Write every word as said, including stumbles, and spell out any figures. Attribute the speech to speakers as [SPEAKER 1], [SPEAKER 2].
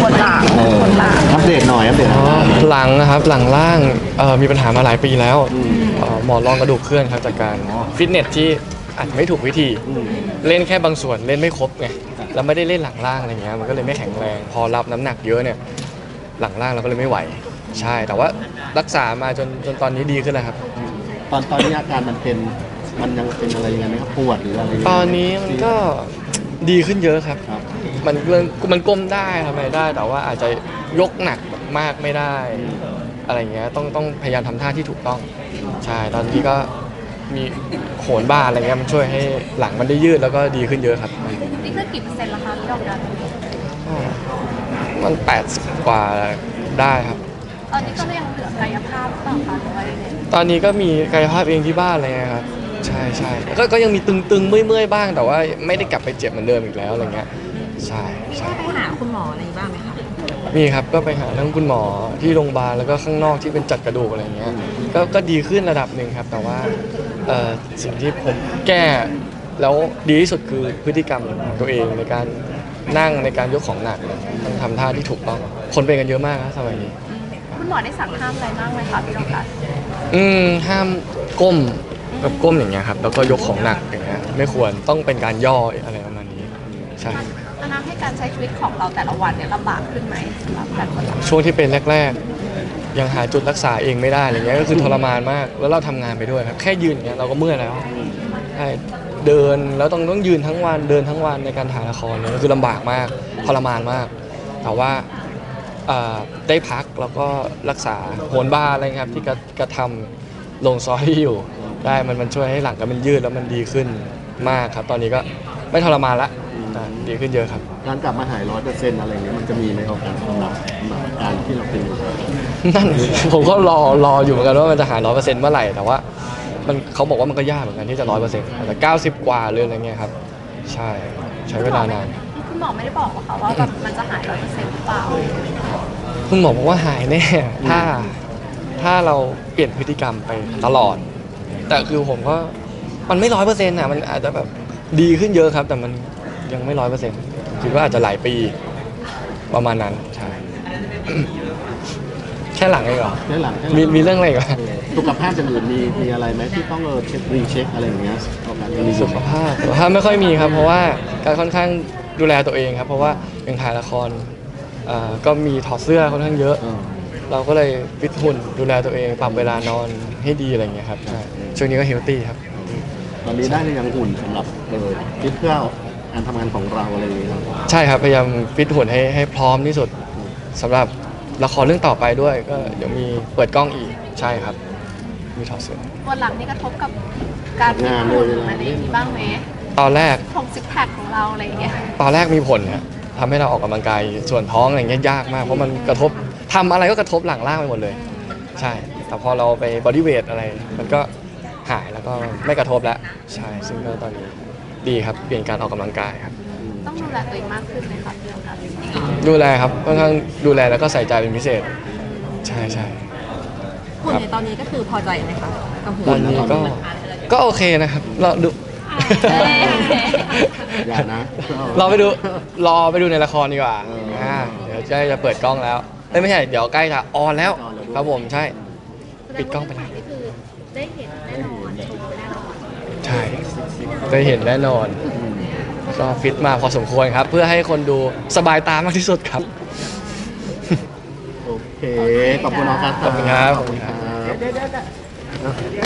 [SPEAKER 1] ปวดหลัง
[SPEAKER 2] เออ
[SPEAKER 1] ปวดหลัง
[SPEAKER 2] อัปเดตหน่อยอัปเดตห
[SPEAKER 3] อ๋
[SPEAKER 2] น่
[SPEAKER 3] อ
[SPEAKER 2] อย
[SPEAKER 3] หลังนะครับหลังล่างเอ่อมีปัญหามาหลายปีแล้ว
[SPEAKER 2] อืม
[SPEAKER 3] เอ่อหมอนรองกระดูกเคลื่อนครับจากการ
[SPEAKER 2] อ๋อ
[SPEAKER 3] ฟิตเนสที่อาจจะไม่ถูกวิธี
[SPEAKER 2] อืม
[SPEAKER 3] เล่นแค่บางส่วนเล่นไม่ครบไงแล้วไม่ได้เล่นหลังล่างอะไรเงี้ยมันก็เลยไม่แข็งแรง พอรับน้ำหนักเยอะเนี่ยหลังล่างเราก็เลยไม่ไหวใช่แต่ว่ารักษามาจนจนตอนนี้ดีขึ้นแล้วครับ
[SPEAKER 2] ตอนตอนนี้อาการมันเป็นมันยังเป็นอะไรยังไงไหมครับปวดหรืออะไรยังไง
[SPEAKER 3] ตอนนี้มันก็ดีขึ้นเยอะครับ
[SPEAKER 2] ครับ
[SPEAKER 3] มันเรื่องมันก้มได้ทำอะไรได้ แต่ว่าอาจจะยกหนักมากไม่ได้ อะไรเงี้ยต้องต้องพยายามทำท่าที่ถูกต้องใช่ตอนนี้ก็มีโหนบ้าอะไรเงี้ยมันช่วยให้หลังมันได้ยืดแล้วก็ดีขึ้นเยอะครับ
[SPEAKER 1] นี่คือกี่เปอร์เซ็นต์แล้วคะพี่ดอกดัน
[SPEAKER 3] ก็มันแปดสิบกว่าได้ครับ
[SPEAKER 1] ตอนนี้ก็ยังเหลือกายภาพหรือเปล่าคะหรือว่ายังไง
[SPEAKER 3] ตอนนี้ก็มีกายภาพเองที่บ้านอะไรเงี้ยครับใช่ใช่ก็ก็ยังมีตึงๆเมื่อยๆบ้าง แต่ว่าไม่ได้กลับไปเจ็บเหมือนเดิมอีกแล้วอะไรเงี้ยใช่
[SPEAKER 4] มี
[SPEAKER 3] ใช่
[SPEAKER 4] ได้ไปหาคุณหมออะไรบ้างไหมคะ
[SPEAKER 3] มีครับก็ไปหาทั้งคุณหมอที่โรงพยาบาลแล้วก็ข้างนอกที่เป็นจัดกระดูกอะไรเงี้ยก็ก็ดีขึ้นระดับหนึ่งครับ แต่ว่าเอ่อสิ่งที่ผมแก้แล้วดีที่สุดคือพฤติกรรมของตัวเองในการนั่งในการยกของหนักต้องทำท่าที่ถูกต้องคนเป็นกันเยอะมากนะสมัยนี้
[SPEAKER 1] คุณหมอได้สั่งห้ามอะไรบ้างไหมคะพี่ดอกดัน
[SPEAKER 3] อืมห้ามก้มแบบก้มอย่างเงี้ยครับแล้วก็ยกของหนักอย่างเงี้ยไม่ควรต้องเป็นการย่ออะไรประมาณนี้ใช่
[SPEAKER 1] มันทำให้การใช้ชีวิตของเราแต่ละวันเนี่ยลำบากขึ้นไหมสำหรับการปวดหลัง
[SPEAKER 3] ช่วงที่เป็นแรกๆ ยังหาจุดรักษาเองไม่ได้อะไรเงี้ยก็คือทรมานมากแล้วเราทำงานไปด้วยครับแค่ยืนอย่างเงี้ยเราก็เมื่อยแล้วใช่เดินแล้วต้องต้องยืนทั้งวันเดินทั้งวันในการถ่ายละครเนี่ยก็คือลำบากมากทรมานมาก แต่ว่าเอ่อได้พักแล้วก็รักษาโหนบ้าอะไรครับที่กระกระทำลงซอรี่อยู่ได้มันมันช่วยให้หลังก็มันยืดแล้วมันดีขึ้นมากครับ ตอนนี้ก็ไม่ทรมานละอ่าดีขึ้นเยอะครับ
[SPEAKER 2] การกลับมาหายร้อยเปอร์เซ็นต์อะไรเงี้ยมันจะมีไหมครับการสำหรับสำหรับอาการที่เราเป็นอยู่
[SPEAKER 3] นั่น ผมก็รอรออยู่เหมือนกันว่ามันจะหายร้อยเปอร์เซ็นต์เมื่อไหร่แต่ว่ามันเขาบอกว่ามันก็ยากเหมือนกันที่จะร้อยเปอร์เซ็นต์แต่เก้าสิบกว่าเลยอะไรเงี้ยครับใช่ใช้เวลานาน
[SPEAKER 1] คุณหมอไม่ได้บอกหรอคะว่าแบบมันจะหายร้อยเปอร์เซ็นต์หรือเปล่า
[SPEAKER 3] คุณหมอบอกว่าหายแน่ ถ้าถ้าเราเปลี่ยนพฤติกรรมไปตลอด แต่คือผมก็มันไม่ร้อยเปอร์เซ็นต์อ่ะมันอาจจะแบบดีขึ้นเยอะครับ แต่มันยังไม่ร้อยเปอร์เซ็นต์คิดว่าอาจจะหลายปีประมาณนั้นใช่ แค่หลังเองเหรอ
[SPEAKER 2] แค่หลังแค่หลั
[SPEAKER 3] มีมีเรื่องอะไรอีกไหม
[SPEAKER 2] สุขภาพอย่างอื่นมีมีอะไรไหมที่ต้องเออเช็ครีเช็คอะไรอย่างเงี้ยเอาการรี
[SPEAKER 3] สุขภาพสุขภาพไม่ค่อยมีครับ เพราะว่าการค่อนข้างดูแลตัวเองครับ เพราะว่ายังถ่ายละครอ่าก็มีถอดเสื้อค่อนข้างเยอะ
[SPEAKER 2] เออ
[SPEAKER 3] เราก็เลยฟิตหุ่นดูแลตัวเองปรับเวลานอนให้ดีอะไรอย่างเงี้ยครับใช่ช่วงนี้ก็เฮลตี้ครับ
[SPEAKER 2] ตอนนี้ได้หรือยังหุ่นสำหรับเออคิดเพื่อการทำงานของเราอะไรอย่างเงี้ยครับ
[SPEAKER 3] ใช่ครับพยายามฟิตหุ่นให้ให้พร้อมที่สุดสำหรับละครเรื่องต่อไปด้วยก็เดี๋ยวมีเปิดกล้องอีกใช่ครับ มีถอดเสื้อ
[SPEAKER 1] ปวดหลังนี่กระทบกับการฟิตหุ่นอะไรอย่างนี้บ้างไหม
[SPEAKER 3] ตอนแรก
[SPEAKER 1] ของซิกแพคของเราอะไรอย่างเงี้ย
[SPEAKER 3] ตอนแรกมีผลฮะทำให้เราออกกำลังกายส่วนท้องอะไรเงี้ยยากมากเพราะมันกระทบทำอะไรก็กระทบหลังล่างไปหมดเลย ใช่ แต่พอเราไปบอดี้เวทอะไร มันก็หายแล้วก็ไม่กระทบแล้วใช่ซึ่งก็ตอนนี้ดีครับเปลี่ยนการออกกำลังกายครับ
[SPEAKER 1] ต้องดูแลตัวเองมากขึ้นไหมคะพี่ดอกดัน
[SPEAKER 3] ดูแลครับค่อนข้างดูแลแล้วก็ใส่ใจเป็นพิเศษ ใช่ใช่
[SPEAKER 4] หุ่นในตอนนี้ก็คือพอใจไหมคะกับหุ่น
[SPEAKER 3] ตอนนี้ก็ก็โอเคนะครับเราดู
[SPEAKER 2] อย่านะ
[SPEAKER 3] เราไปดูรอไปดูในละครดีกว่า
[SPEAKER 2] เอออ่
[SPEAKER 3] ่าเดี๋ยวใกล้จะเปิดกล้องแล้วเอ้ยไม่ใช่เดี๋ยวใกล้จะออนแล้ว
[SPEAKER 2] ออนแล้วด้วย
[SPEAKER 3] ครับผมใช่ ปิดกล้องไปแล้ว
[SPEAKER 1] นี่คือได้เห็นแน่นอนชมแน่นอน
[SPEAKER 3] ใช่ได้เห็นแน่นอนก็ฟิตมาพอสมควรครับ เพื่อให้คนดูสบายตามากที่สุดครับ
[SPEAKER 2] โอเค ขอบคุณน้องครับ
[SPEAKER 3] ขอบคุณครับ
[SPEAKER 2] ขอบคุณครับ